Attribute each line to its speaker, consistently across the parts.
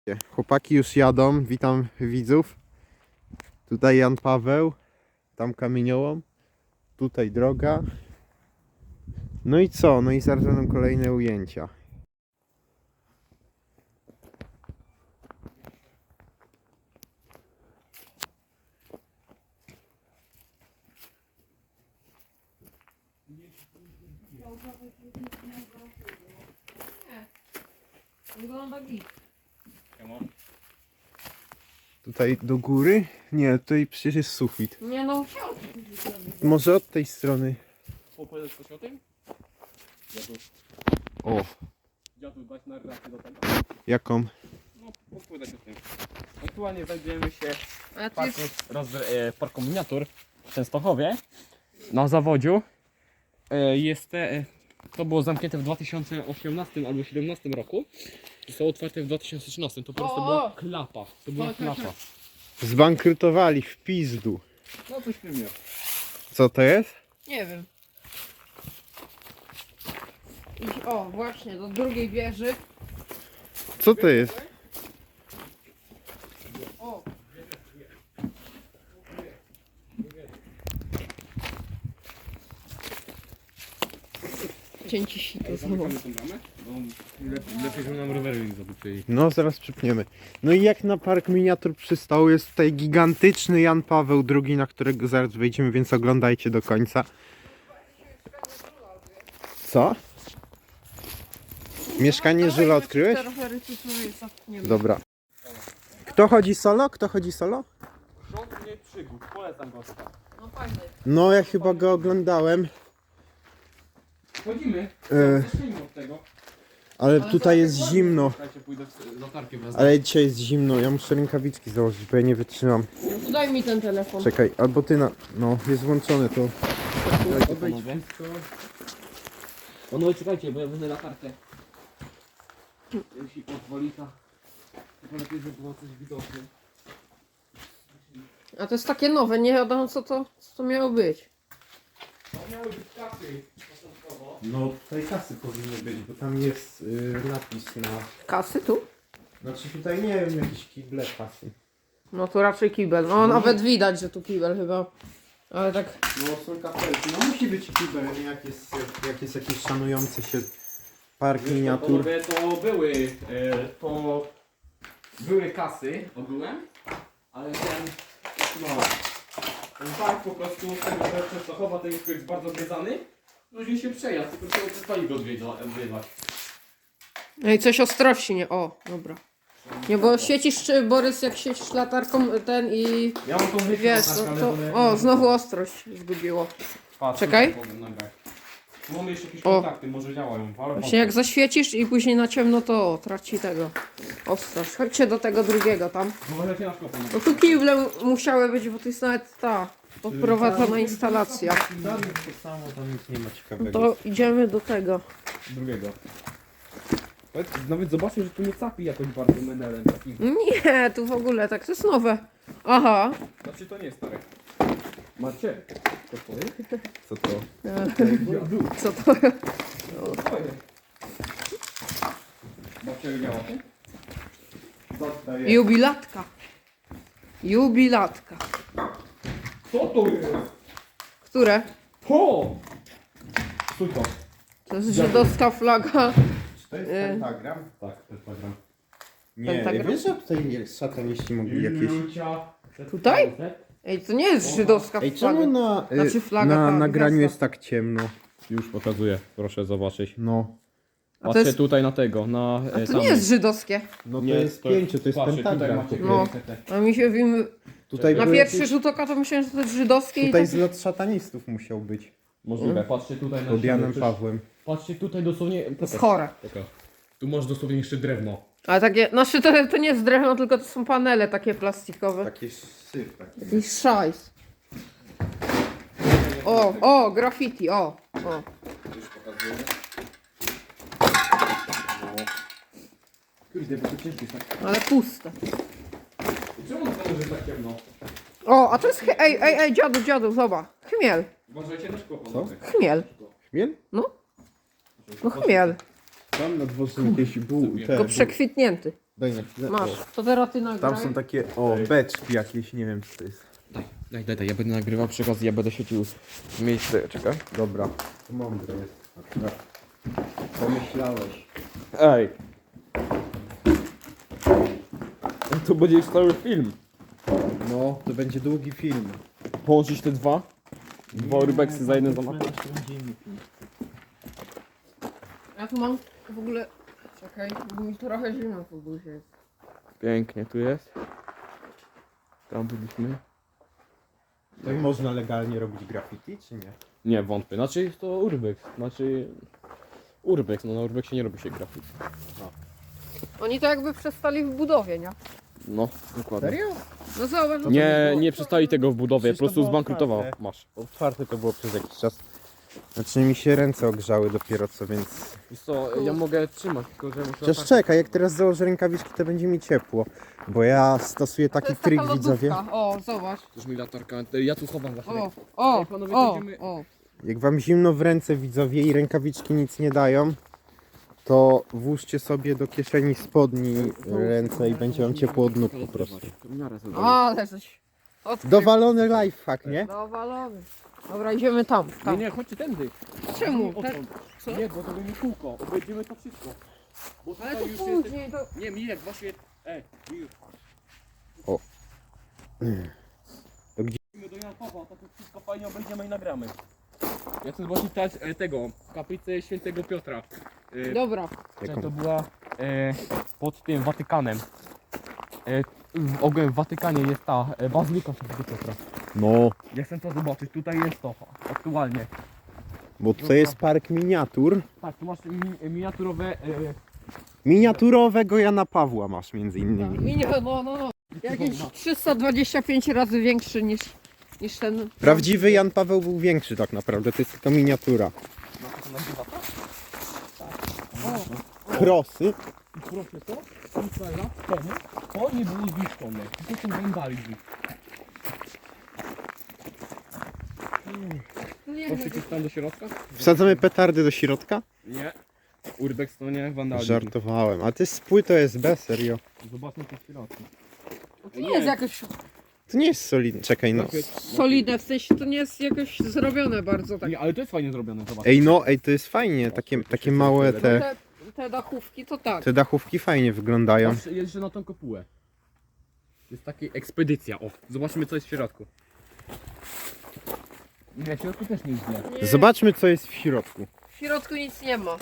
Speaker 1: Chłopaki już jadą, witam widzów. Tutaj Jan Paweł, tam kamieniołom, tutaj droga. No i co? No i zaraz będą kolejne ujęcia. Tutaj do góry? Nie, tutaj przecież jest sufit.
Speaker 2: Nie no,
Speaker 1: Może od tej strony.
Speaker 3: Opowiadać coś o tym?
Speaker 1: O,
Speaker 3: Dziadu, dać narrację do tego.
Speaker 1: jaką?
Speaker 3: No, opowiadać o tym. Aktualnie znajdujemy się
Speaker 2: a
Speaker 3: w
Speaker 2: ty
Speaker 3: parku, parku miniatur w Częstochowie. Na zawodziu. To było zamknięte w 2018 albo 2017 roku. Zostało otwarte w 2013. To po prostu
Speaker 2: O!
Speaker 3: była klapa. To była
Speaker 2: Tak,
Speaker 3: klapa.
Speaker 1: Zbankrutowali w pizdu.
Speaker 3: No coś w tym jest.
Speaker 1: Co to jest?
Speaker 2: nie wiem. Idź, o, właśnie, do drugiej wieży.
Speaker 1: Co to jest?
Speaker 2: O, cięci sito znowu.
Speaker 3: Zamykamy tą bramę? Bo lepiej, żeby nam rowery nie zobaczyli.
Speaker 1: No, zaraz przypniemy. No i jak na park miniatur przystało, jest tutaj gigantyczny Jan Paweł II, na którego zaraz wejdziemy, więc oglądajcie do końca. Co? Mieszkanie Żula odkryłeś? Dobra. Kto chodzi solo? Kto chodzi solo?
Speaker 3: Rząd mnie przygód. Polecam go.
Speaker 2: No fajny.
Speaker 1: No, ja chyba go oglądałem,
Speaker 3: Wchodzimy. Zacznijmy od tego.
Speaker 1: ale tutaj jest zimno.
Speaker 3: Słuchajcie, pójdę w latarkę wraz.
Speaker 1: Ale dzisiaj jest zimno, ja muszę rękawiczki założyć, bo ja nie wytrzymam.
Speaker 2: No, daj mi ten telefon.
Speaker 1: Czekaj, albo ty na... No, jest włączone to.
Speaker 3: Panowie. Panowie, czekajcie, bo ja będę latarkę. Jeśli pozwoli, to lepiej, żeby było coś widoczne.
Speaker 2: A to jest takie nowe, nie wiadomo co to miało być.
Speaker 3: To miały być kasy początkowo.
Speaker 1: No, tutaj kasy powinny być, bo tam jest napis na...
Speaker 2: Kasy tu?
Speaker 1: Znaczy tutaj nie wiem, jakieś kible kasy.
Speaker 2: No to raczej kibel. No nawet widać, że tu kibel chyba. Ale tak.
Speaker 1: No, są kapelki. No musi być kibel, nie jak jest jakiś szanujący się park miniatur.
Speaker 3: Panowie, to były kasy ogółem, ale ten park po prostu z tego, że Częstochowa ten jest bardzo zwiedzany, ludzie się przejazd, tylko trzeba przestali go odwiedzać.
Speaker 2: No i coś ostrości, nie? O, dobra. Nie, bo świecisz, czy Borys, jak świecisz latarką ten i
Speaker 3: Ja mam tą myśl,
Speaker 2: wiesz, o, znowu ostrość zgubiło. Czekaj.
Speaker 3: Tu mamy jeszcze jakieś
Speaker 2: O.
Speaker 3: kontakty, może działają. Ale
Speaker 2: Właśnie jak zaświecisz i później na ciemno, to traci tego ostrość. Chodźcie do tego drugiego tam.
Speaker 3: Uważajcie na szkło, panowie.
Speaker 2: No tu kible musiały być, bo to jest nawet ta podprowadzona instalacja.
Speaker 1: Tam jest to samo, tam nic nie ma
Speaker 2: No
Speaker 1: ciekawego.
Speaker 2: to idziemy do tego.
Speaker 3: Drugiego. Nawet zobaczcie, że tu nie capi jakoś bardzo menelem takim.
Speaker 2: Nie, tu w ogóle tak, to jest nowe. Aha.
Speaker 3: Znaczy to nie jest stare. Macie? To twoje?
Speaker 1: Co to?
Speaker 2: Co to?
Speaker 3: To twoje. Babcia wiedziała.
Speaker 2: Jubilatka. Jubilatka.
Speaker 3: Co to jest?
Speaker 2: Które?
Speaker 3: To! Stój to.
Speaker 2: To jest żydowska flaga.
Speaker 1: Czy to jest pentagram?
Speaker 3: Tak, to jest program.
Speaker 1: Nie,
Speaker 2: Pentagram?
Speaker 1: wiesz, że tutaj szataniści mogli jakieś...
Speaker 2: Tutaj? Ej, to nie jest żydowska
Speaker 1: Ej,
Speaker 2: flaga.
Speaker 1: czemu na,
Speaker 2: Znaczy flaga,
Speaker 1: na
Speaker 2: ta
Speaker 1: nagraniu
Speaker 2: gwiazda.
Speaker 1: jest tak ciemno?
Speaker 3: Już pokazuję, proszę zobaczyć.
Speaker 1: No.
Speaker 2: A to
Speaker 3: Patrzcie
Speaker 2: jest,
Speaker 3: tutaj na tego, na
Speaker 2: a to nie jest żydowskie.
Speaker 1: No to jest pięcie, to jest
Speaker 3: patrzcie,
Speaker 1: pentagram.
Speaker 3: Tutaj
Speaker 2: No.
Speaker 3: macie
Speaker 2: A mi się
Speaker 1: Tutaj
Speaker 2: na
Speaker 1: były
Speaker 2: pierwszy
Speaker 1: jakieś-
Speaker 2: rzut oka to myślałem, że to jest żydowskie i
Speaker 1: Tutaj
Speaker 2: tak...
Speaker 1: zlot szatanistów musiał być.
Speaker 3: Możliwe, patrzcie tutaj na
Speaker 1: Pod Janem
Speaker 3: ścianę.
Speaker 1: Pawłem.
Speaker 3: Patrzcie tutaj dosłownie.
Speaker 2: To jest chore.
Speaker 3: Pokaż. Tu masz dosłownie jeszcze drewno.
Speaker 2: Ale takie, znaczy to nie jest drewno, tylko to są panele takie plastikowe.
Speaker 1: Taki syf taki.
Speaker 2: Jakiś szajs. O, graffiti, o.
Speaker 3: Już pokazuję. Kurde, bo to ciężkie jest tak.
Speaker 2: Ale puste.
Speaker 3: Czemu to może być tak ciemno?
Speaker 2: O, a to jest, ej, dziadu, zobacz. Chmiel,
Speaker 3: Uważajcie na szkło,
Speaker 1: Co?
Speaker 3: panowie.
Speaker 2: chmiel.
Speaker 1: Chmiel?
Speaker 2: No chmiel.
Speaker 1: Tam na dworze jakieś
Speaker 2: Tylko przekwitnięty.
Speaker 1: Daj na chwilę.
Speaker 2: Masz, to teraz ty nagraj.
Speaker 1: Tam są takie, beczki jakieś, nie wiem co to jest.
Speaker 3: Daj, ja będę nagrywał przy okazji, ja będę świecił miejsce, czekaj.
Speaker 1: Dobra. To mądre jest. Akurat. Pomyślałeś.
Speaker 3: Ej! To będzie już cały film.
Speaker 1: No, to będzie długi film.
Speaker 3: Połączyć te dwa? Dwa urbexy za jeden zamach?
Speaker 2: Ja tu mam w ogóle... Czekaj, bo mi trochę zimno w ogóle jest.
Speaker 3: Pięknie, tu jest. Tam byliśmy.
Speaker 1: Tak można legalnie robić graffiti, czy nie?
Speaker 3: Nie, wątpię. Znaczy jest to urbex. Urbex, no na urbexie nie robi się grafik.
Speaker 2: Oni to jakby przestali w budowie, nie?
Speaker 3: No, dokładnie.
Speaker 1: Serio?
Speaker 2: No zobacz, no
Speaker 3: Nie przestali tego w budowie, po
Speaker 1: Przecież to
Speaker 3: prostu
Speaker 1: było
Speaker 3: zbankrutował.
Speaker 1: otwarte.
Speaker 3: Masz.
Speaker 1: Otwarte to było przez jakiś czas. Znaczy mi się ręce ogrzały dopiero co, więc...
Speaker 3: Wiesz co, ja mogę trzymać, tylko że muszę...
Speaker 1: Chociaż czekaj, jak teraz założę rękawiczki, to będzie mi ciepło. Bo ja stosuję
Speaker 2: to
Speaker 1: taki
Speaker 2: jest
Speaker 1: trik,
Speaker 2: taka
Speaker 1: widzowie.
Speaker 2: lodówka. O, zobacz.
Speaker 3: Też mi latarka, ja tu chowam właśnie.
Speaker 2: O,
Speaker 3: Ej, panowie,
Speaker 2: o,
Speaker 3: będziemy-
Speaker 2: o.
Speaker 1: Jak wam zimno w ręce, widzowie, i rękawiczki nic nie dają, to włóżcie sobie do kieszeni spodni ręce i będzie wam ciepło od nóg po prostu.
Speaker 2: Ale coś. Odkrył.
Speaker 1: Dowalony lifehack, nie?
Speaker 2: Dowalony. Dobra, idziemy tam.
Speaker 3: Nie,
Speaker 2: tam.
Speaker 3: nie, chodźcie tędy.
Speaker 2: Czemu?
Speaker 3: Odtąd.
Speaker 2: Co?
Speaker 3: Nie, bo to będzie kółko, obejdziemy to wszystko. Bo
Speaker 2: Ale
Speaker 3: tutaj
Speaker 2: to
Speaker 3: już jest...
Speaker 2: później, to...
Speaker 3: Nie, Mirek, właśnie... Mirek.
Speaker 1: O. To gdzie?
Speaker 3: Idziemy do Jana Pawła, to wszystko fajnie obejdziemy i nagramy. Ja chcę zobaczyć teraz tego, kaplicę świętego Piotra.
Speaker 2: Dobra.
Speaker 1: Jaką?
Speaker 3: To była pod tym Watykanem. W Watykanie jest ta bazylika świętego Piotra.
Speaker 1: No,
Speaker 3: Ja chcę to zobaczyć, tutaj jest to aktualnie.
Speaker 1: bo to jest park miniatur.
Speaker 3: Tak, tu masz miniaturowe...
Speaker 1: Miniaturowego Jana Pawła masz między innymi.
Speaker 2: No. Jakieś 325 razy większy niż ten.
Speaker 1: Prawdziwy Jan Paweł był większy tak naprawdę, to jest tylko miniatura.
Speaker 3: No to nazywa to?
Speaker 1: Krosy.
Speaker 3: I proszę to, kilka lat temu to nie było zniszczone. To są wandalizm.
Speaker 2: Nie,
Speaker 3: Proszę cię tam do środka?
Speaker 1: Wsadzamy petardy do środka?
Speaker 3: Nie. Urbex to nie wandalizm.
Speaker 1: Żartowałem, a ty spój to jest B, serio.
Speaker 3: Zobaczmy co w środku.
Speaker 2: to nie jest jakoś
Speaker 1: To nie jest solidne, czekaj no.
Speaker 2: solidne, w sensie to nie jest jakoś zrobione bardzo tak.
Speaker 3: Nie, ale to jest fajnie zrobione, zobacz.
Speaker 1: Ej, to jest fajnie, takie małe
Speaker 2: Te dachówki to tak.
Speaker 1: te dachówki fajnie wyglądają.
Speaker 3: Patrz, jeszcze na tą kopułę. Jest taka ekspedycja, o. Zobaczmy co jest w środku. Nie, w środku też nie jest źle.
Speaker 2: Nie,
Speaker 1: Zobaczmy co jest w środku.
Speaker 2: w środku nic nie ma.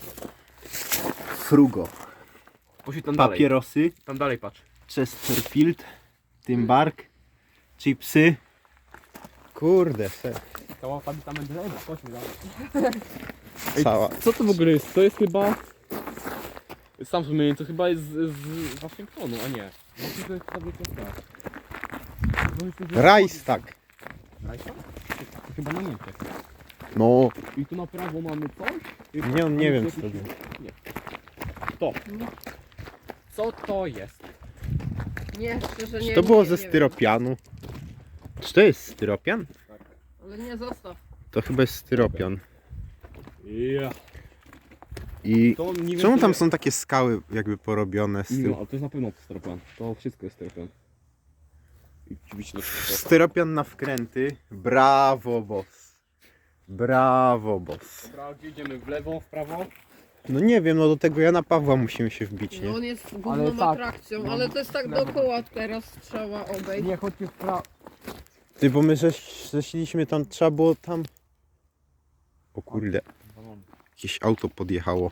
Speaker 1: Frugo,
Speaker 3: Poszli tam dalej.
Speaker 1: papierosy,
Speaker 3: Tam dalej patrz.
Speaker 1: Chesterfield, Timbark, chipsy. Kurde,
Speaker 3: Cała fabryka Mendeleva, chodźmy dalej.
Speaker 1: cała.
Speaker 3: Co to w ogóle jest? To jest chyba... Sam wspomniałem, to chyba jest z Waszyngtonu, a nie. Właśnie to jest fabryka tak.
Speaker 1: Reichstag.
Speaker 3: Reichstag? To chyba na Niemczech.
Speaker 1: No,
Speaker 3: I tu na prawo mamy coś?
Speaker 1: nie wiem co to było.
Speaker 3: Nie. To. Co to jest?
Speaker 2: Nie, szczerze nie.
Speaker 1: Czy to było
Speaker 2: nie,
Speaker 1: ze
Speaker 2: nie wiem.
Speaker 1: styropianu? Czy to jest styropian?
Speaker 2: Ale nie zostaw.
Speaker 1: To chyba jest styropian.
Speaker 3: Ja.
Speaker 1: I
Speaker 3: To nie wiem,
Speaker 1: czemu
Speaker 3: co
Speaker 1: tam
Speaker 3: jest.
Speaker 1: są takie skały jakby porobione z
Speaker 3: Nie,
Speaker 1: tym?
Speaker 3: ale to jest na pewno styropian. To wszystko jest styropian. I oczywiście
Speaker 1: Styropian na wkręty. Brawo, boss. Brawo, boss.
Speaker 3: Dobra, gdzie idziemy? W lewo, w prawo?
Speaker 1: No nie wiem, no do tego Jana Pawła musimy się wbić,
Speaker 2: No
Speaker 1: nie?
Speaker 2: on jest
Speaker 3: Ale
Speaker 2: główną
Speaker 3: tak.
Speaker 2: atrakcją,
Speaker 3: No,
Speaker 2: ale to jest tak dookoła teraz trzeba obejść.
Speaker 3: Nie, chodźcie w prawo.
Speaker 1: Ty, bo my zeszliśmy tam, trzeba było tam... O kurde, jakieś auto podjechało.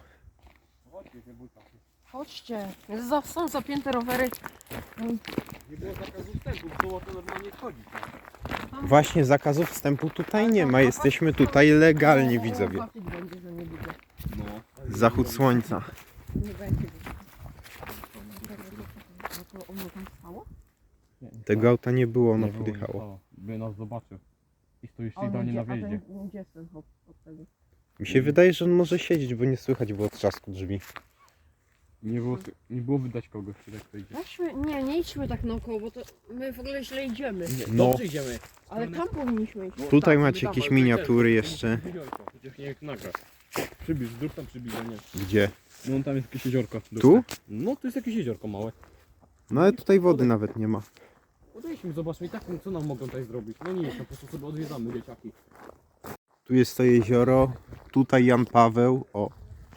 Speaker 2: Chodźcie, są zapięte rowery.
Speaker 3: Nie było zakazu wstępu, było to normalnie wchodzić.
Speaker 1: Właśnie zakazów wstępu tutaj nie ma, jesteśmy tutaj legalnie, widzowie.
Speaker 2: Zobaczyć będzie, że nie będzie.
Speaker 3: No.
Speaker 1: Zachód słońca.
Speaker 2: Nie będzie. No to ono tam stało?
Speaker 1: Tego auta nie było, ono
Speaker 3: Nie było, nie
Speaker 1: podjechało.
Speaker 3: stało. By nas zobaczył. I stoisz
Speaker 2: A on
Speaker 3: idealnie na
Speaker 2: gdzie- a ten-
Speaker 3: wjeździe.
Speaker 2: Gdzie jest ten hop od tego?
Speaker 1: Mi się wydaje, że on może siedzieć, bo nie słychać było trzasku drzwi.
Speaker 3: Nie było wydać kogoś, który tak idzie.
Speaker 2: Weźmy, nie idźmy tak naokoło, bo to my w ogóle źle idziemy.
Speaker 1: No.
Speaker 3: Dobrze idziemy.
Speaker 2: Ale tam powinniśmy iść.
Speaker 1: Tutaj
Speaker 3: tak,
Speaker 1: macie
Speaker 3: tam,
Speaker 1: jakieś
Speaker 3: ale
Speaker 1: miniatury
Speaker 3: też,
Speaker 1: jeszcze.
Speaker 3: Chociaż nie jak nagrać. Przybliż, zrób tam przybliżenie.
Speaker 1: Gdzie?
Speaker 3: No tam jest jakieś jeziorko.
Speaker 1: Tu?
Speaker 3: No tu jest jakieś jeziorko małe.
Speaker 1: No ale tutaj wody nawet nie ma.
Speaker 3: Podejdźmy, zobaczmy i tak, co nam mogą tutaj zrobić. No nic, no po prostu sobie odwiedzamy dzieciaki.
Speaker 1: Tu jest to jezioro, tutaj Jan Paweł, o.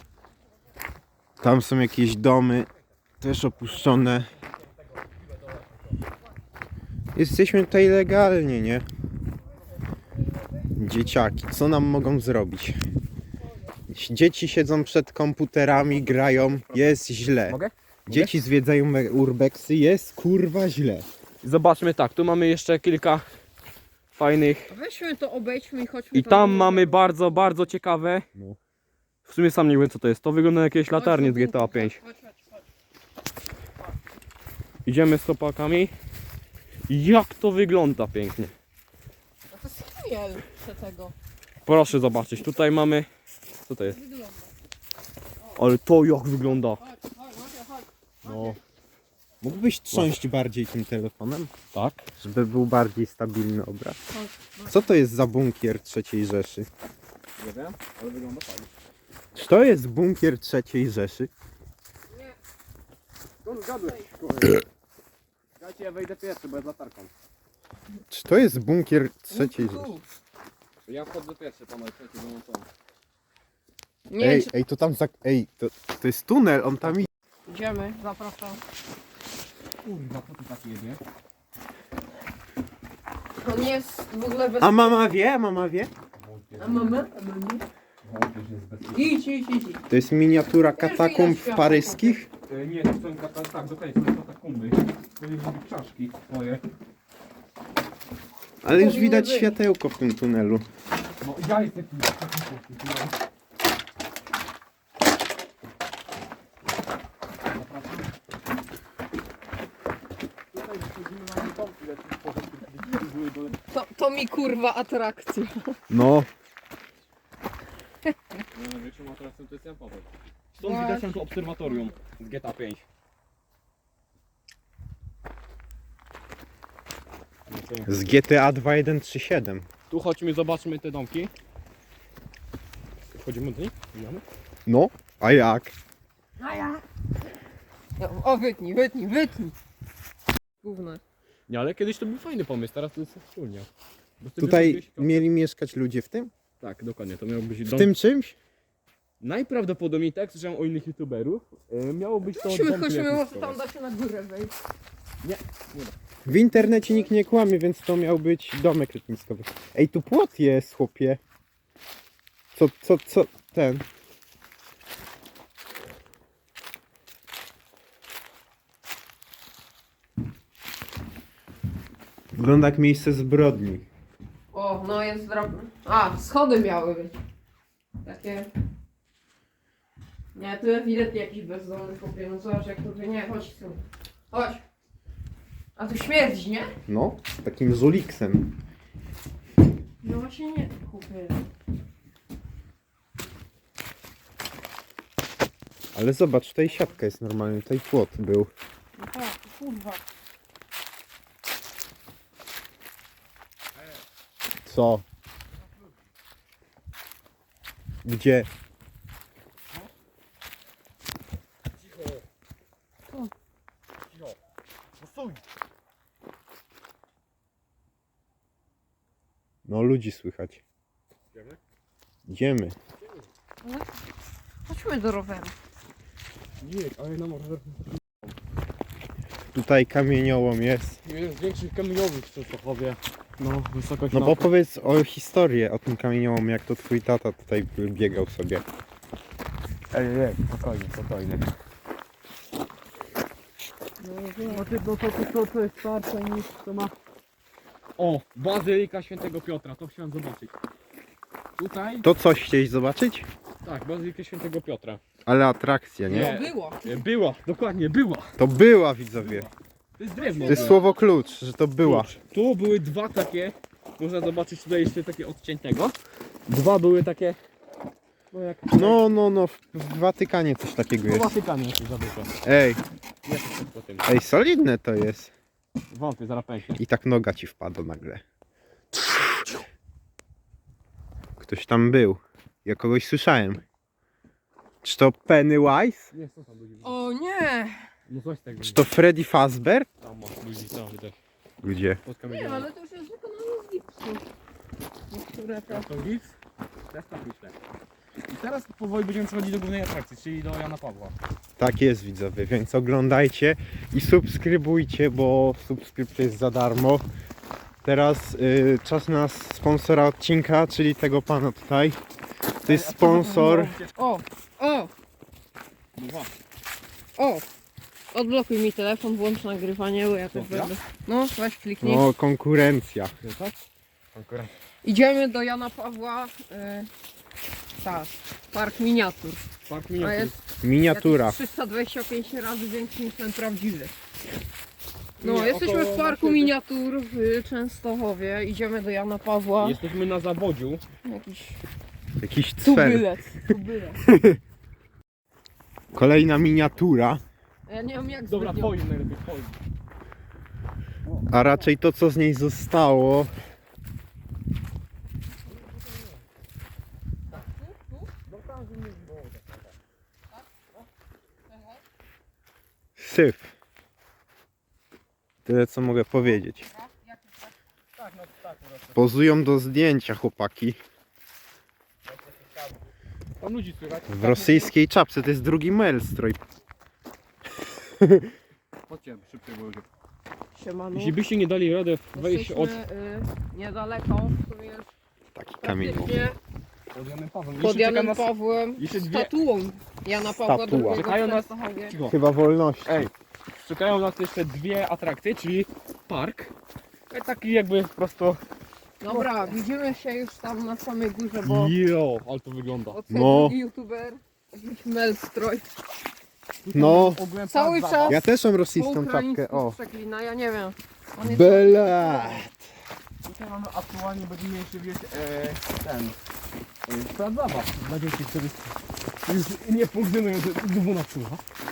Speaker 1: Tam są jakieś domy, też opuszczone. Jesteśmy tutaj legalnie, nie? Dzieciaki, co nam mogą zrobić? Dzieci siedzą przed komputerami, grają, jest źle.
Speaker 3: Mogę?
Speaker 1: Dzieci zwiedzają urbexy, jest kurwa źle.
Speaker 3: Zobaczmy tak, tu mamy jeszcze kilka fajnych.
Speaker 2: Weźmy to, obejdźmy i chodźmy.
Speaker 3: I tam mamy bardzo, bardzo ciekawe.
Speaker 1: No.
Speaker 3: W sumie sam nie wiem co to jest. To wygląda jak jakieś latarnie z GTA 5.
Speaker 2: Chodź.
Speaker 3: Idziemy z chłopakami. Jak to wygląda pięknie.
Speaker 2: No to jest chmiel tego.
Speaker 3: Proszę zobaczyć, tutaj mamy. Co to jest?
Speaker 2: Wygląda.
Speaker 3: Ale to jak wygląda.
Speaker 2: Chodź.
Speaker 3: No,
Speaker 1: Mógłbyś trząść bardziej tym telefonem,
Speaker 3: tak.
Speaker 1: żeby był bardziej stabilny obraz? Co to jest za bunkier III Rzeszy?
Speaker 3: Nie wiem, ale wygląda fajnie.
Speaker 1: Czy to jest bunkier III Rzeszy?
Speaker 3: To zgadłeś. Dajcie, ja wejdę pierwszy, bo ja z latarką.
Speaker 1: Czy to jest bunkier III Rzeszy?
Speaker 3: Ja wchodzę pierwszy, panowie, trzeci wyłączony.
Speaker 2: Nie,
Speaker 1: Ej, ej, to tam ej, to jest tunel, on tam idzie.
Speaker 2: idziemy, zapraszam.
Speaker 3: Kurwa, co tu tak jedzie?
Speaker 2: To nie jest w ogóle bez...
Speaker 1: A mama wie? Mama wie?
Speaker 2: A mama? Idź.
Speaker 1: To jest miniatura katakumb paryskich.
Speaker 3: Nie, to są tak, dokładnie, to są katakumby. To jest czaszki moje.
Speaker 1: Ale już
Speaker 2: Powinny
Speaker 1: widać
Speaker 2: być.
Speaker 1: światełko w tym tunelu.
Speaker 3: No ja jestem
Speaker 2: To mi kurwa atrakcja.
Speaker 1: No,
Speaker 3: Największą atrakcją to jest Jan Paweł. Stąd widać nam to obserwatorium z GTA 5.
Speaker 1: z GTA 2137.
Speaker 3: Tu chodźmy, zobaczmy te domki. Wchodzimy do nich? Idziemy?
Speaker 1: No, a jak?
Speaker 2: A ja? O, wytnij. Gówno.
Speaker 3: Nie, ale kiedyś to był fajny pomysł, teraz to jest wspólnie. Bo wtedy
Speaker 1: Tutaj
Speaker 3: robiłeś-
Speaker 1: mieli mieszkać ludzie w tym?
Speaker 3: Tak, dokładnie, to miał być
Speaker 1: W
Speaker 3: dom.
Speaker 1: tym czymś?
Speaker 3: Najprawdopodobniej tak, słyszałem o innych youtuberów. Miało być to dom
Speaker 2: Chodźmy, może
Speaker 3: letniskowy.
Speaker 2: tam da się na górę wejść.
Speaker 1: W internecie nikt nie kłamie, więc to miał być domek letniskowy. Ej, tu płot jest, chłopie. Co, ten? Wygląda jak miejsce zbrodni.
Speaker 2: O, no jest drobny. A, schody miały być. Takie... Nie, tu ewidentnie jakiś bezdomny chłopie. No zobacz jak to... Nie, chodź tu. Chodź. A tu śmierdzi, nie?
Speaker 1: No, z takim żuliksem.
Speaker 2: No właśnie nie, chłopie.
Speaker 1: Ale zobacz, tutaj siatka jest normalnie, tutaj płot był.
Speaker 2: No tak, kurwa.
Speaker 1: Co? Gdzie?
Speaker 3: Cicho.
Speaker 2: Co?
Speaker 3: Cicho. No stój.
Speaker 1: No, ludzi słychać.
Speaker 3: Idziemy?
Speaker 1: Idziemy.
Speaker 2: Chodźmy do roweru.
Speaker 3: Nie, ale na może.
Speaker 1: Tutaj kamieniołom jest.
Speaker 3: Jeden z większych kamieniowych w Częstochowie. No, wysokość
Speaker 1: No bo powiedz o historię o tym kamieniołomie, jak to twój tata tutaj biegał sobie.
Speaker 3: Ej, spokojnie. No to jest starsze niż to ma... O, Bazylika Świętego Piotra, to chciałem zobaczyć. Tutaj?
Speaker 1: To coś chciałeś zobaczyć?
Speaker 3: Tak, Bazylikę Świętego Piotra.
Speaker 1: Ale atrakcja, nie?
Speaker 3: Nie.
Speaker 2: Było.
Speaker 3: Była, dokładnie, była.
Speaker 1: To była, widzowie.
Speaker 3: To jest drewno.
Speaker 1: To jest słowo klucz, że to była.
Speaker 3: Tu były dwa takie, można zobaczyć tutaj jeszcze takie odciętego. Dwa były takie, no jak...
Speaker 1: No, w Watykanie coś takiego
Speaker 3: Po
Speaker 1: jest.
Speaker 3: Watykanie jakieś zabytko.
Speaker 1: Ej,
Speaker 3: Jest coś po tym.
Speaker 1: ej, solidne to jest.
Speaker 3: Wątpię, zaraz pęknie.
Speaker 1: I tak noga ci wpadła nagle. Ktoś tam był. Ja kogoś słyszałem. Czy to Pennywise?
Speaker 3: Nie, co tam ludzi?
Speaker 2: O nie!
Speaker 3: No coś tego.
Speaker 1: Czy to Freddy Fazbear?
Speaker 3: Tam masz ludzi, tam widać.
Speaker 1: Gdzie?
Speaker 3: Pod
Speaker 2: Nie,
Speaker 3: kamieniem.
Speaker 2: ale to już jest wykonane z gipsu. Niektóre to...
Speaker 3: To gips? Też tak myślę. I teraz powoli będziemy przechodzić do głównej atrakcji, czyli do Jana Pawła.
Speaker 1: Tak jest, widzowie, więc oglądajcie i subskrybujcie, bo subskrypcja jest za darmo. Teraz czas na sponsora odcinka, czyli tego pana tutaj. To jest sponsor.
Speaker 2: O! O!
Speaker 3: No właśnie.
Speaker 2: O! Odblokuj mi telefon, włącz nagrywanie, bo ja też
Speaker 3: Co, ja?
Speaker 2: będę... No, weź kliknij.
Speaker 1: No, konkurencja.
Speaker 3: Tak? Konkurencja.
Speaker 2: Idziemy do Jana Pawła. Tak, park miniatur.
Speaker 3: Park
Speaker 2: A
Speaker 3: miniatur.
Speaker 2: jest
Speaker 1: Miniatura.
Speaker 2: jakieś 325 razy większy niż ten prawdziwy. No,
Speaker 3: Nie,
Speaker 2: jesteśmy
Speaker 3: około
Speaker 2: w parku
Speaker 3: właśnie-
Speaker 2: miniatur w Częstochowie. Idziemy do Jana Pawła.
Speaker 3: Jesteśmy na zawodziu.
Speaker 2: Jakiś
Speaker 1: Jakiś cfer.
Speaker 2: tubylec. Tubylec.
Speaker 1: Kolejna miniatura,
Speaker 2: Ja nie wiem jak
Speaker 3: Dobra,
Speaker 2: zbytnio.
Speaker 3: twoim najlepiej, twoim.
Speaker 1: a raczej to, co z niej zostało. Syf. Tyle, co mogę powiedzieć.
Speaker 3: Tak, no tak, po prostu.
Speaker 1: Pozują do zdjęcia chłopaki.
Speaker 3: Tam ludzi słychać.
Speaker 1: W rosyjskiej czapce, to jest drugi Maelstrom.
Speaker 3: Chodźcie, szybciej, bo ludzie.
Speaker 2: Siemano.
Speaker 3: Jeśli byście nie dali radę wejść od...
Speaker 2: Jesteśmy niedaleko, to jest
Speaker 1: Taki kamień.
Speaker 2: praktycznie
Speaker 3: Pod Janem Pawłem.
Speaker 2: pod
Speaker 3: Jeszcze czeka
Speaker 2: Janem
Speaker 3: nas...
Speaker 2: Pawłem
Speaker 3: jeszcze dwie-
Speaker 2: statuą Jana Pawła
Speaker 1: Statua.
Speaker 2: II
Speaker 3: Czekają
Speaker 2: w
Speaker 3: nas-
Speaker 2: Częstochowie.
Speaker 3: Cicho.
Speaker 1: Chyba wolności.
Speaker 3: Ej, czekają nas jeszcze dwie atrakcje, czyli park. Taki jakby po prostu...
Speaker 2: Dobra, widzimy się już tam na samej górze, bo
Speaker 3: Jo, ale to wygląda.
Speaker 2: odsłonił
Speaker 1: No.
Speaker 2: drugi youtuber, jakiś Melstroj.
Speaker 1: No.
Speaker 3: Ogółem
Speaker 2: Cały
Speaker 3: plac
Speaker 2: czas
Speaker 3: zabaw.
Speaker 1: Ja też mam
Speaker 2: po
Speaker 1: rosyjską czapkę.
Speaker 2: ukraińsku
Speaker 1: O.
Speaker 2: przeklina, ja nie wiem. On jest
Speaker 1: Bela.
Speaker 3: Tutaj mamy aktualnie najmniejszy wieś ten plac zabaw dla dzieci, który już nie funkcjonują z 12.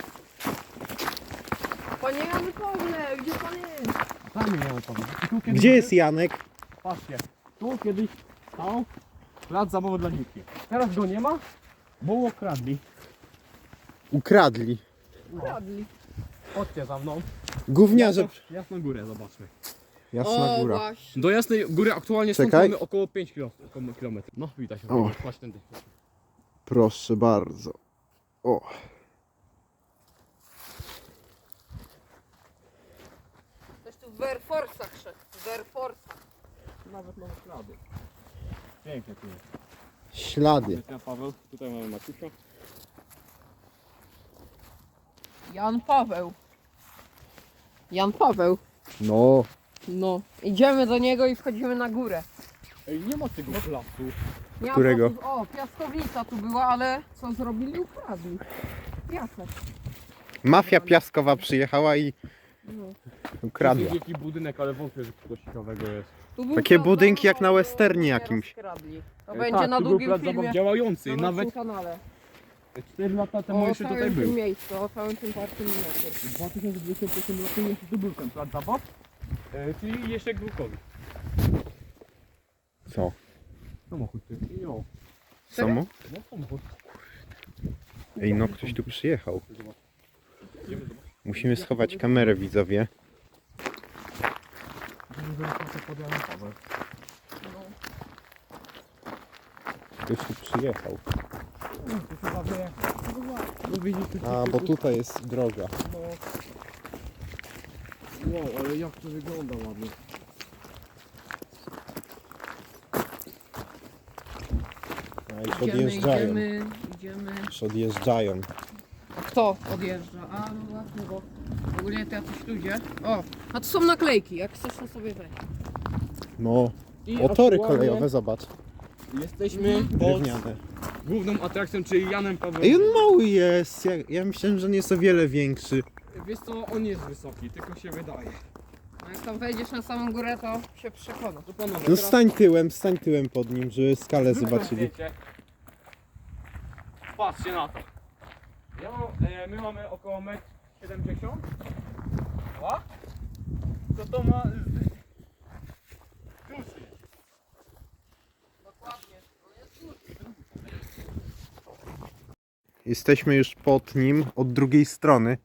Speaker 2: Panie Jany Pawle, gdzie pan jest?
Speaker 3: Tam nie miałem powiedzieć. I tu kiedyś
Speaker 1: Gdzie jest Janek?
Speaker 3: Patrzcie, tu kiedyś stał plac zabawy dla dzieci. Teraz go nie ma, bo okradli.
Speaker 1: Ukradli.
Speaker 2: Ukradli.
Speaker 3: Chodźcie za mną.
Speaker 1: Gówniarze.
Speaker 3: Jasną górę zobaczmy.
Speaker 1: Jasna
Speaker 2: O,
Speaker 1: góra.
Speaker 2: właśnie.
Speaker 3: Do Jasnej Góry aktualnie stąd
Speaker 1: Czekaj.
Speaker 3: mamy około 5 km. No widać,
Speaker 1: O.
Speaker 3: chodź tędy.
Speaker 1: Proszę bardzo. O.
Speaker 2: Ktoś tu w Air Force'ach szedł. W Air Force'ach.
Speaker 3: Nawet mamy ślady. Pięknie tu jest.
Speaker 1: Ślady.
Speaker 3: Ja Paweł, tutaj mamy Maciusia.
Speaker 2: Jan Paweł. Jan Paweł.
Speaker 1: No.
Speaker 2: No. Idziemy do niego i wchodzimy na górę.
Speaker 3: Ej, nie ma tego placu.
Speaker 2: Nie ma
Speaker 1: Którego?
Speaker 2: placu- O, piaskownica tu była, ale co zrobili? Ukradli. Piasek.
Speaker 1: Mafia piaskowa przyjechała i
Speaker 2: No.
Speaker 1: ukradła.
Speaker 3: To jest jakiś budynek, ale wątpię, że coś ciekawego jest.
Speaker 2: Tu był
Speaker 1: Takie
Speaker 2: plac
Speaker 1: budynki jak
Speaker 2: zabaw,
Speaker 1: na
Speaker 2: ale
Speaker 1: westernie
Speaker 2: nie
Speaker 1: jakimś.
Speaker 2: rozkradli. To
Speaker 3: Ej,
Speaker 2: będzie
Speaker 3: tak,
Speaker 2: na
Speaker 3: tu był
Speaker 2: długim
Speaker 3: plac
Speaker 2: filmie.
Speaker 3: zabaw działający.
Speaker 2: Na
Speaker 3: Nawet
Speaker 2: naszym kanale.
Speaker 3: 4 lata temu
Speaker 2: O
Speaker 3: jeszcze
Speaker 2: całym
Speaker 3: tutaj
Speaker 2: tym
Speaker 3: był.
Speaker 2: miejscu, o całym tym parku miniatur.
Speaker 3: W 2021 roku jeszcze tu był ten plac zabaw. Czyli jeszcze Grukowi.
Speaker 1: Co?
Speaker 3: Samochód ty. Jo.
Speaker 1: Samo?
Speaker 3: No samochód.
Speaker 1: Ej, no ktoś tu przyjechał.
Speaker 3: Zobacz. Idziemy zobaczyć.
Speaker 1: Musimy schować kamerę, widzowie.
Speaker 3: Idziemy zobaczyć pod Janem Pawłem.
Speaker 1: Ktoś tu przyjechał.
Speaker 3: To chyba wie. No widzisz, tu
Speaker 1: A, bo tutaj jest droga.
Speaker 3: No. Wow, ale jak to wygląda ładnie.
Speaker 1: A, już
Speaker 2: Idziemy,
Speaker 1: odjeżdżają.
Speaker 2: idziemy.
Speaker 1: Już odjeżdżają.
Speaker 2: A kto odjeżdża? A no właśnie, bo ogólnie to jacyś ludzie. O, a tu są naklejki, jak chcesz to sobie weź.
Speaker 1: No.
Speaker 3: I
Speaker 1: O, tory
Speaker 3: aktualnie
Speaker 1: kolejowe, zobacz.
Speaker 3: Jesteśmy pod
Speaker 1: Drewniane.
Speaker 3: główną atrakcją, czyli Janem Pawłem.
Speaker 1: Ej, on mały jest. Ja myślałem, że on jest o wiele większy.
Speaker 3: Wiesz co, on jest wysoki, tylko się wydaje.
Speaker 2: A jak tam wejdziesz na samą górę, to się przekonasz.
Speaker 3: To panowie,
Speaker 1: No stań tyłem pod nim, żeby skalę
Speaker 3: zróbmy
Speaker 1: zobaczyli.
Speaker 3: zdjęcie. Patrzcie na to. Ja mam, my mamy około 1,70 m. To ma... Duży.
Speaker 2: Dokładnie.
Speaker 1: Jesteśmy już pod nim, od drugiej strony.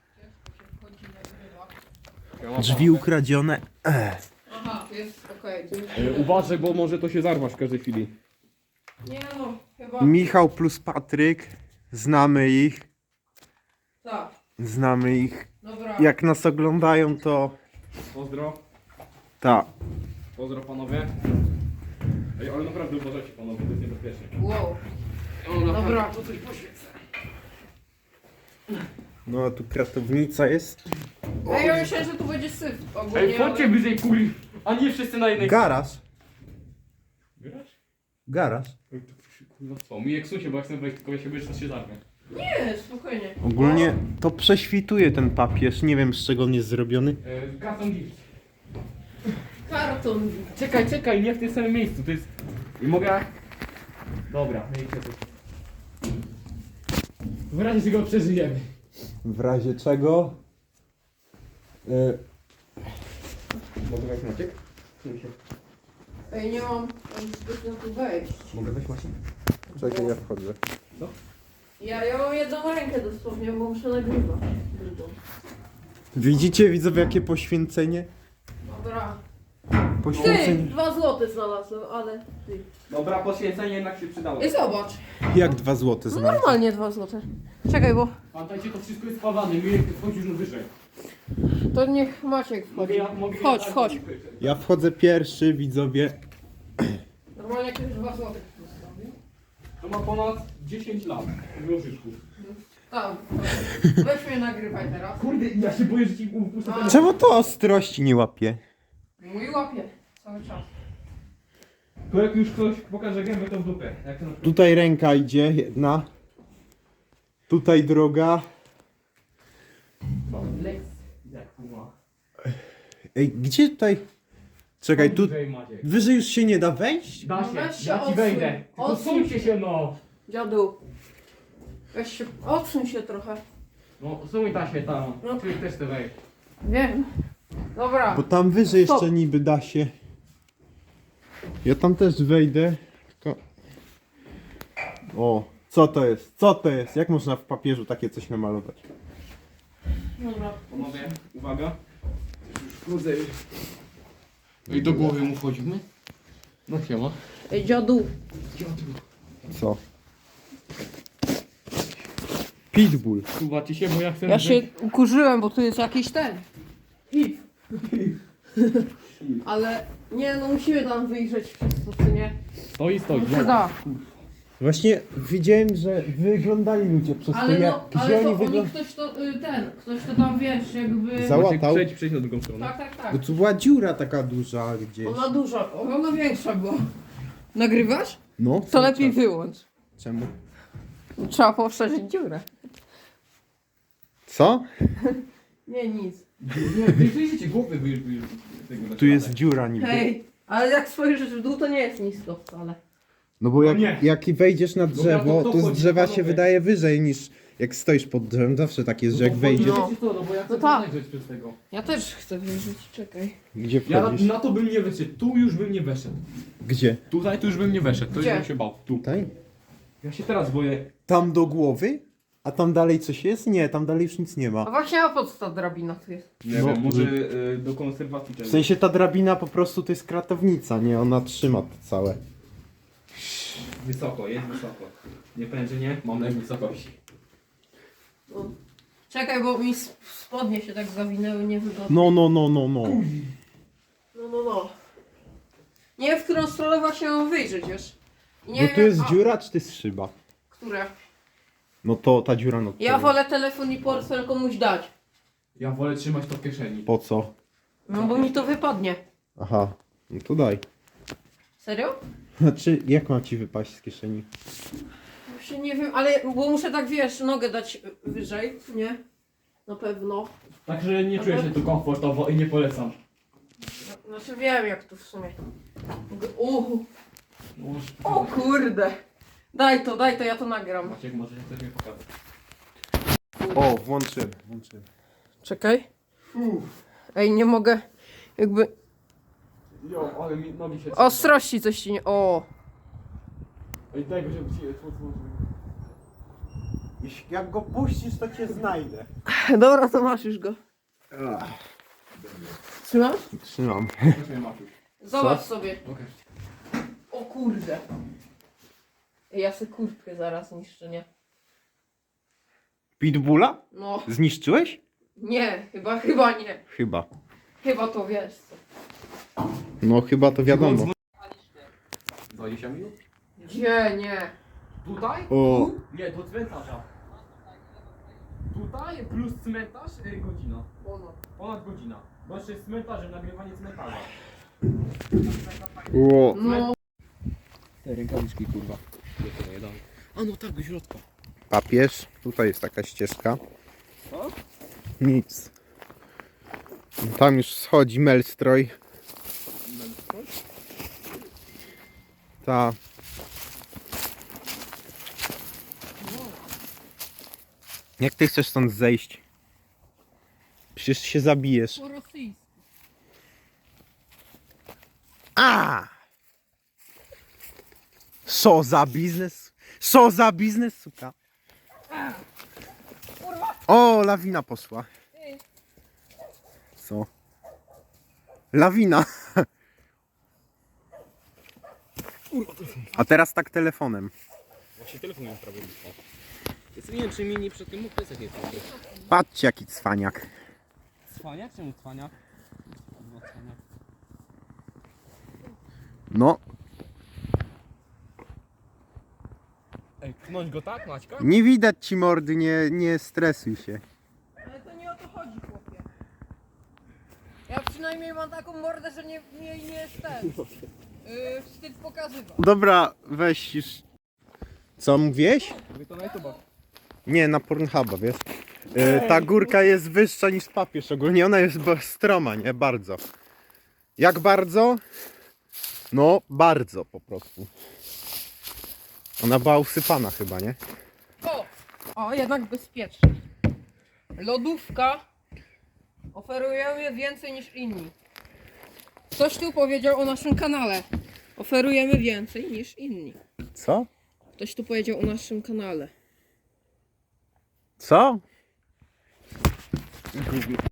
Speaker 1: Drzwi ukradzione.
Speaker 2: Aha, jest okej.
Speaker 3: Uważaj, bo może to się zarwać w każdej chwili.
Speaker 2: Nie no, chyba...
Speaker 1: Michał plus Patryk. Znamy ich.
Speaker 2: Tak,
Speaker 1: Znamy ich.
Speaker 2: dobra.
Speaker 1: Jak nas oglądają, to
Speaker 3: Pozdro.
Speaker 1: tak.
Speaker 3: Pozdro panowie. Ej, ale naprawdę uważajcie panowie, to jest niebezpieczne.
Speaker 2: Wow.
Speaker 3: O,
Speaker 2: Dobra.
Speaker 3: To coś poświecę.
Speaker 1: No a tu kratownica jest.
Speaker 2: Ej, ja myślałem, że tu będzie syf ogólnie,
Speaker 3: Ej, chodźcie
Speaker 2: ale...
Speaker 3: bliżej kuli, a nie wszyscy na jednej...
Speaker 1: Garaż.
Speaker 3: Grasz?
Speaker 1: Garaż.
Speaker 3: Ej, to kurwa co? Mi jak susie, bo jak chcę wejść, tylko ja się boję, że to się zarwie.
Speaker 2: Nie, spokojnie.
Speaker 1: Ogólnie to prześwituje ten papież. Nie wiem, z czego on jest zrobiony.
Speaker 3: Karton gift.
Speaker 2: Karton.
Speaker 3: Czekaj, nie w tym samym miejscu, to jest... I mogę... Dobra, no i co? W razie czego przeżyjemy.
Speaker 1: W razie czego?
Speaker 3: Mogę wejść Maciek?
Speaker 2: Ej, nie mam zbytnio tu wejść.
Speaker 3: Mogę wejść Maciek?
Speaker 1: Czekaj, ja wchodzę.
Speaker 2: Ja mam jedną rękę dosłownie, bo muszę nagrywać. Drugą.
Speaker 1: Widzicie, widzowie, jakie poświęcenie?
Speaker 2: Dobra. Ty,
Speaker 1: Poświęcenie.
Speaker 2: 2 złote znalazłem, ale ty.
Speaker 3: Dobra, poświęcenie jednak się przydało.
Speaker 2: I zobacz.
Speaker 1: Jak 2 złote
Speaker 2: No
Speaker 1: znaleźć?
Speaker 2: normalnie 2 złote. Czekaj, bo
Speaker 3: Pamiętajcie, to wszystko jest spawane, mi wchodzisz już wyżej.
Speaker 2: to niech Maciek wchodzi. Wchodź, wchodź.
Speaker 1: Ja wchodzę pierwszy, widzowie.
Speaker 2: Normalnie jakieś 2 złote.
Speaker 3: To ma ponad 10 lat. Łożyczków.
Speaker 2: Tak. Weź mnie nagrywaj teraz.
Speaker 3: Kurde, ja się boję, że ci upuszczę ten...
Speaker 1: Czemu to ostrości nie łapie?
Speaker 2: Mój łapie. Cały czas.
Speaker 3: To jak już ktoś pokaże gębę, to w dupę. Jak to na przykład...
Speaker 1: Tutaj ręka idzie, jedna. Tutaj droga.
Speaker 3: Lex. Jak kurwa.
Speaker 1: Ej, gdzie tutaj? Czekaj, tu
Speaker 3: Wyżej, Maciek.
Speaker 1: wyżej już się nie da wejść?
Speaker 3: Da
Speaker 2: No
Speaker 3: się,
Speaker 2: weź się
Speaker 3: ja ci
Speaker 2: odsuń.
Speaker 3: wejdę. Tylko
Speaker 2: Odsuń
Speaker 3: suńcie się no.
Speaker 2: Dziadu. Weź się, odsuń się trochę.
Speaker 3: No, suń ta się tam.
Speaker 2: No.
Speaker 3: Ty też chcę wejść.
Speaker 2: Wiem. Dobra.
Speaker 1: Bo tam wyżej
Speaker 2: Stop.
Speaker 1: jeszcze niby da się. Ja tam też wejdę. Tylko... O, co to jest? Co to jest? Jak można w papieżu takie coś namalować?
Speaker 2: Dobra.
Speaker 3: Panowie, uwaga. Już krócej. No i do głowy mu wchodzimy. No siema.
Speaker 2: Ej, dziadu.
Speaker 1: Co? Pitbull.
Speaker 3: Kuwacie się, bo ja chcę...
Speaker 2: Ja się ukurzyłem, bo tu jest jakiś ten. Piw. Ale nie, no musimy tam wyjrzeć przez to, czy nie?
Speaker 3: Stoi.
Speaker 2: No się da.
Speaker 1: Właśnie widziałem, że wyglądali ludzie przez to,
Speaker 2: Ale
Speaker 1: jak
Speaker 2: no,
Speaker 1: gdzie
Speaker 2: ale to
Speaker 1: oni
Speaker 2: oni
Speaker 1: wyglądają.
Speaker 2: ktoś to tam wiesz, jakby...
Speaker 1: Załatał.
Speaker 3: Przejdź na drugą stronę.
Speaker 2: Tak, tak, tak.
Speaker 1: Bo tu była dziura taka duża gdzieś.
Speaker 2: Ona duża, ona większa była. Nagrywasz?
Speaker 1: No,
Speaker 2: To
Speaker 1: cały
Speaker 2: lepiej
Speaker 1: czas.
Speaker 2: wyłącz.
Speaker 1: Czemu?
Speaker 2: Trzeba poszerzyć dziurę.
Speaker 1: Co?
Speaker 2: Nie, nic.
Speaker 3: Nie, wyjrzyjcie głowy,
Speaker 1: Tu jest dziura niby.
Speaker 2: Hej, ale jak spojrzysz w dół, to nie jest nisko wcale.
Speaker 1: No bo jak,
Speaker 3: nie.
Speaker 1: jak wejdziesz na drzewo,
Speaker 3: to
Speaker 1: to z
Speaker 3: wchodzi,
Speaker 1: drzewa się
Speaker 3: panowie.
Speaker 1: wydaje wyżej niż jak stoisz pod drzewem. Zawsze tak jest, że jak wejdziesz.
Speaker 2: No.
Speaker 3: Wiecie co, no bo ja chcę
Speaker 2: No tak.
Speaker 3: zajrzeć przez tego.
Speaker 2: Ja też chcę wyjrzeć, czekaj.
Speaker 1: Gdzie
Speaker 3: Ja
Speaker 1: wchodzisz?
Speaker 3: na to bym nie wyszedł, tu już bym nie weszedł.
Speaker 1: Gdzie?
Speaker 3: Tutaj to już bym nie weszedł, to już
Speaker 2: Gdzie?
Speaker 3: bym się bał. Tu.
Speaker 1: Tutaj?
Speaker 3: Ja się teraz boję.
Speaker 1: Tam do głowy? A tam dalej coś jest? Nie, tam dalej już nic nie
Speaker 2: A
Speaker 1: ma.
Speaker 2: właśnie, a po co ta drabina tu jest?
Speaker 3: Nie
Speaker 1: No,
Speaker 3: wiem, może do konserwacji
Speaker 1: W sensie ta drabina po prostu to jest kratownica, nie? Ona trzyma to całe.
Speaker 3: Wysoko, jest wysoko. Nie powiem, że nie, mam lek wysokości.
Speaker 2: No. Czekaj, bo mi spodnie się tak zawinęły niewygodnie.
Speaker 1: No.
Speaker 2: No. Nie wiem, w którą stronę właśnie mam wyjrzeć, wiesz? I nie
Speaker 1: Bo
Speaker 2: wiem,
Speaker 1: tu jest
Speaker 2: jak-
Speaker 1: dziura, czy to jest szyba?
Speaker 2: Które?
Speaker 1: No to ta dziura, no
Speaker 2: Ja wolę telefon i portfel komuś dać.
Speaker 3: Ja wolę trzymać to w kieszeni.
Speaker 1: Po co?
Speaker 2: No bo mi to wypadnie.
Speaker 1: Aha, no to daj.
Speaker 2: Serio?
Speaker 1: Znaczy, jak ma ci wypaść z kieszeni?
Speaker 2: Właśnie nie wiem, ale bo muszę tak, wiesz, nogę dać wyżej, nie? Na pewno.
Speaker 3: Także nie czuję się tu komfortowo i nie polecam.
Speaker 2: Znaczy wiem jak to w sumie. Uhu.
Speaker 3: No,
Speaker 2: O kurde. Daj to, ja to nagram.
Speaker 3: Maciek, może chcesz mi pokazać.
Speaker 1: O, włączyłem.
Speaker 2: Czekaj. Ej, nie mogę. Jakby
Speaker 3: Jo, ale mi nogi się...
Speaker 2: ostrości coś ci nie... O.
Speaker 3: Ej, daj go się
Speaker 1: Jak go puścisz, to cię znajdę.
Speaker 2: Dobra, to masz już go. Trzymasz?
Speaker 1: Trzymam.
Speaker 2: Zobacz sobie. O kurde. Ja sobie kurtkę zaraz niszczę, nie?
Speaker 1: Pitbulla?
Speaker 2: No,
Speaker 1: Zniszczyłeś?
Speaker 2: nie, chyba nie.
Speaker 1: Chyba.
Speaker 2: Chyba to wiesz co.
Speaker 1: No chyba to wiadomo.
Speaker 3: Za 10 minut?
Speaker 2: Gdzie, nie.
Speaker 3: Tutaj?
Speaker 1: O,
Speaker 3: Nie, do cmentarza. Tutaj plus cmentarz, godzina. Ponad godzina. Bo jeszcze jest cmentarzem, nagrywanie cmentarza.
Speaker 1: o.
Speaker 2: No,
Speaker 3: Te rękawiczki, kurwa. A no tak, do środka.
Speaker 1: Papież. Tutaj jest taka ścieżka.
Speaker 3: Co?
Speaker 1: Nic. Tam już schodzi Melstroj. Ta. Jak ty chcesz stąd zejść? Przecież się zabijesz.
Speaker 2: po rosyjsku.
Speaker 1: A! Co za biznes? Co za biznes, suka? O, lawina poszła. Co? Lawina. A teraz tak telefonem.
Speaker 3: Właśnie telefon miałem prawie blisko. Jest nie wiem, czy mi nie przed tym mógł piesek jest.
Speaker 1: Patrzcie jaki cwaniak.
Speaker 3: Cwaniak? Czemu cwaniak? No, cwaniak.
Speaker 1: No,
Speaker 3: Ej, pchnąć go tak, Maćka?
Speaker 1: nie widać ci mordy, nie stresuj się.
Speaker 2: Ale to nie o to chodzi, chłopie. Ja przynajmniej mam taką mordę, że nie jest ten. Wstyd pokazywał.
Speaker 1: Dobra, weź już. Co mówiłeś?
Speaker 3: Mówię to na YouTube.
Speaker 1: Nie, na Pornhuba, wiesz? Ta górka jest wyższa niż papież ogólnie, ona jest stroma, nie? Bardzo. Jak bardzo? No, bardzo po prostu. Ona była usypana chyba, nie?
Speaker 2: O, jednak bezpiecznie. Lodówka. Oferujemy więcej niż inni. Ktoś tu powiedział o naszym kanale. Oferujemy więcej niż inni.
Speaker 1: Co?
Speaker 2: Ktoś tu powiedział o naszym kanale.
Speaker 1: Co?